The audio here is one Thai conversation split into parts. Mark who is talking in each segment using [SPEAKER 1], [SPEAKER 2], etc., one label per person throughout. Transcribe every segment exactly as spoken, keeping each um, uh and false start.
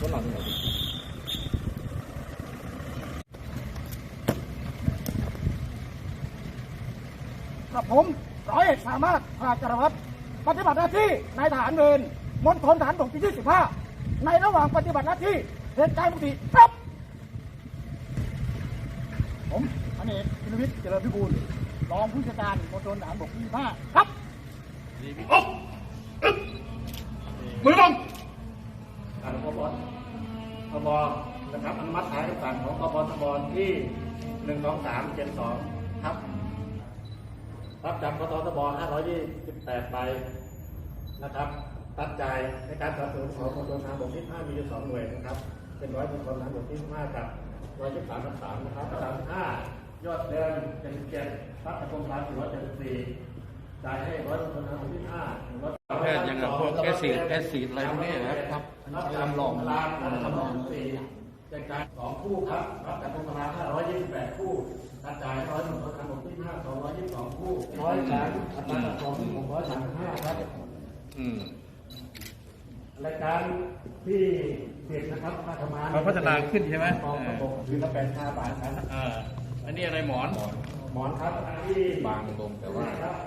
[SPEAKER 1] หน่อยกับผมร้อยเอกสามารถภาจารวัตรปฏิบัติหน้าที่นายทหารเวรมณฑลทหารบกที่ยี่สิบห้าในระหว่างปฏิบัติหน้าที่เหตุการณ์ปกติครับผมพันเอกพิรวิทย์เจริญพิบูลรองผู้จัดการมณฑลทหารบกที่ยี่สิบห้าครับมือลงการพบทบนะครับอนุมัติหมายคำสั่งของพบทบที่หนึ่งสองสามเจ็ดสองครับรับจากพบทบห้าร้อยยี่สิบแปดใบนะครับตัดใจในการสนับสนุนของมณฑลทหารบกที่ห้ามีอยู่สองหน่วยนะครับเป็นร้อยมณฑลทหารบกที่ห้ากับร้อยยี่สิบสามทับสามนะครับสามสิบห้ายอดเดิมเจ็ดสิบเจ็ดพัฒนาโครงการสี่ร้อยเจ็ดสิบสี่จ่ายให้ร้อยมณฑลทหารบกที่ห้า
[SPEAKER 2] แพทย์ยังพวกแอซิดแอซิดอะไรพวกนี้นะครับทำหลอม
[SPEAKER 1] ทำหลอมสี่แจกจ่ายสองคู่ครับรับจากโครงการห้าร้อยยี่สิบแปดคู่กระจายร้อยมณฑลทหารบกที่ห้าสองร้อยยี่สิบสองคู่ร้อยสามอัตราส่วนหกร้อยสามสิบห้าครับอืมรายการที่เสร็จนะครับมาทำงาน
[SPEAKER 2] มันพัฒนาขึ้นใช่ไหม
[SPEAKER 1] กองระบบคือละแปดห้าบาทครับ
[SPEAKER 2] อ่าอันนี้อะไรหมอน
[SPEAKER 1] หมอนครับที่
[SPEAKER 2] บางลงแต่ว่า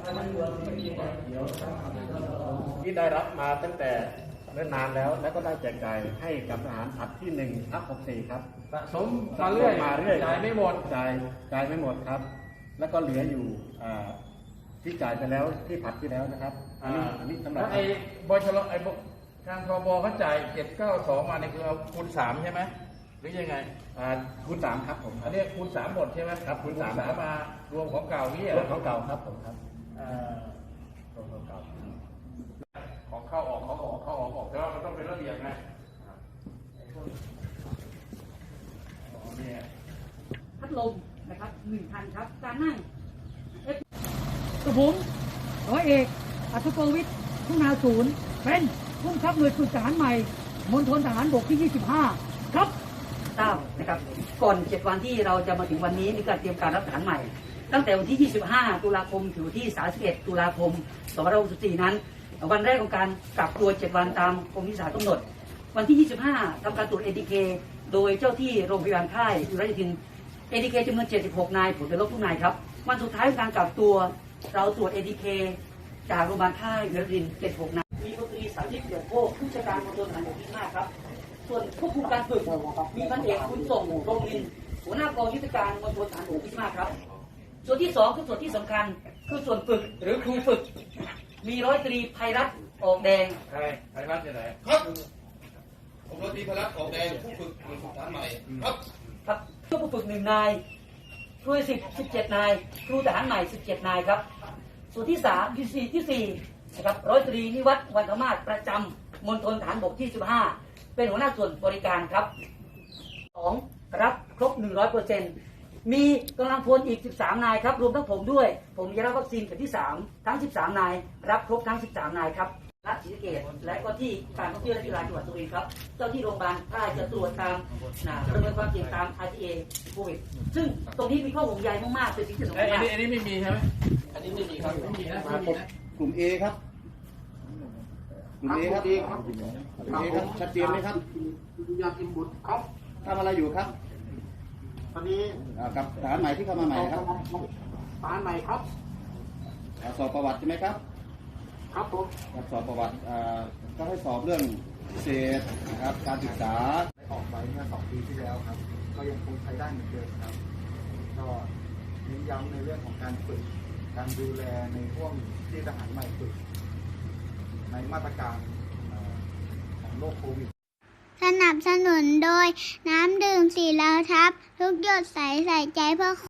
[SPEAKER 1] ที่ได้รับมาตั้งแต่เนิ่นนานแล้วแล้วก็ได้แจกจ่ายให้กับทหารผัดที่หนึ่งทับหกสี่ครับ
[SPEAKER 2] สะสมมาเรื่อย
[SPEAKER 1] มาเรื่อย
[SPEAKER 2] จ่ายไม่หมด
[SPEAKER 1] จ่ายจ่ายไม่หมดครับแล้วก็เหลืออยู่ที่จ่ายไปแล้วที่ผัดที่แล้วนะครับอันนี้อันนี้สำหรับ
[SPEAKER 2] ไอ้บชลไอ้ทางทบเขาจ่ายเจ็ดเก้าสองมาในคือเอาคูณสามใช่ไหมหรือยังไง
[SPEAKER 1] อ่าคูณสามครับผม
[SPEAKER 2] อันนี้คูณสามหมดใช่ไหม
[SPEAKER 1] ครับคูณสาม
[SPEAKER 2] มารวมของเก่านี่
[SPEAKER 1] รวมของเก่าครับผมครับ
[SPEAKER 2] รวมของเก่าของเข้าออกเขาออกเข้าออกออกแต่ว่ามันต้องเป็นระเบียบไง
[SPEAKER 3] พัดลมนะครับหนึ่งพันครับการนั่งกระผมร้อยเอกอัศโกวิทย์ทุนาศูนย์เป็นผู้บังคับหน่วยฝึกทหารใหม่มณฑลทหารบกที่ยี่สิบห้าครับทราบนะครับก่อนเจ็ดวันที่เราจะมาถึงวันนี้มีการเตรียมการรับทหารใหม่ตั้งแต่วันที่ยี่สิบห้าตุลาคมถึงวันที่สามสิบเอ็ดตุลาคมสองพันห้าร้อยหกสิบสี่นั้นวันแรกของการกักตัวเจ็ดวันตามกรมวิสาหกำหนดวันที่ยี่สิบห้าทำการตรวจ เอ ที เค โดยเจ้าที่โรงพยาบาลค่ายอุรัยทิน เอ ที เค จำนวนเจ็ดสิบหกนายผลเป็นลบทุกนายครับวันสุดท้ายของการกักตัวเราตรวจ เอ ที เค จากโรงพยาบาลค่ายอุรัยทินเจ็ดสิบหกนายมีพลตรีสาธิตเดี่ยวโพผู้จัดการมณฑลทหารบกที่ห้าครับส่วนควบคุมการฝึกมีพันเอกคุณส่งโรงลินหัวหน้ากองยุทธการมณฑลทหารบกที่ห้าครับส่วนที่สองคือส่วนที่สำคัญคือส่วนฝึกหรือครูฝึกมีร้อยตรีไพรัตน์ออกแดง
[SPEAKER 2] ใครไพรัตน์ที่ไหน
[SPEAKER 4] ครับผมร้อยตรีไพรัตน์ออกแดงผู้ฝึกหน่วยฝึกทหารใหม่ครับ
[SPEAKER 3] ครับผู้ฝึกหนึ่งนายครูสิบสิบเจ็ดนายครูทหารใหม่สิบเจ็ดนายครับส่วนที่สามที่สี่ที่สี่นะครับร้อยตรีนิวัฒน์วันธมาศประจำมณฑลทหารบกที่สิบห้าเป็นหัวหน้าส่วนบริการครับสองรับครบหนึ่งร้อยเปอร์เซ็นต์มีกำลังพลอีกสิบสามนายครับรวมทั้งผมด้วยผมจะรับวัคซีนเข็มที่สามทั้งสิบสามนายรับครบทั้งสิบสามนายครับรัฐศรีสะเกษและก็ที่การท่องเที่ยวและกีฬาจังหวัดสุรินทร์ครับเจ้าที่โรงพยาบาลค่ายจะตรวจตามประเมินความเสี่ยงตาม อาร์ ที เอ โควิดซึ่งตรงนี้มีข้อห่วงใยมากๆเป็นสิ่งที่สำคัญมาก
[SPEAKER 2] อันนี้ไม่มีใช่ไหม
[SPEAKER 4] อันนี้ไม่มีครับ
[SPEAKER 2] ไม่มีนะ
[SPEAKER 1] กลุ่ม A ครับกลุ่ม A ครับ กลุ่ม A ครับชัดเจนไหมครับ
[SPEAKER 4] ยากินบุตรครับ
[SPEAKER 1] ทำอะไรอยู่ครับ
[SPEAKER 4] ตอนนี้
[SPEAKER 1] กับทหารใหม่ที่เข้ามาใหม่ครับ
[SPEAKER 4] ทหารใหม่ครับ
[SPEAKER 1] สอบประวัติใช่ไหมครับ
[SPEAKER 4] ครับผม
[SPEAKER 1] สอบประวัติก็ให้สอบเรื่องพิเศษนะครับการศึกษา
[SPEAKER 5] ได้ออกไปเมื่อสองปีที่แล้วครับก็ยังคงใช้ได้เหมือนเดิมครับก็เน้นย้ำในเรื่องของการฝึกการดูแลในช่วงที่ทหารใหม่ฝึกในมาตรการของโรคโควิด
[SPEAKER 6] สนับสนุนโดยน้ำดื่มสีเหลาทับทุกหยดใสใส่ใจเพื่อ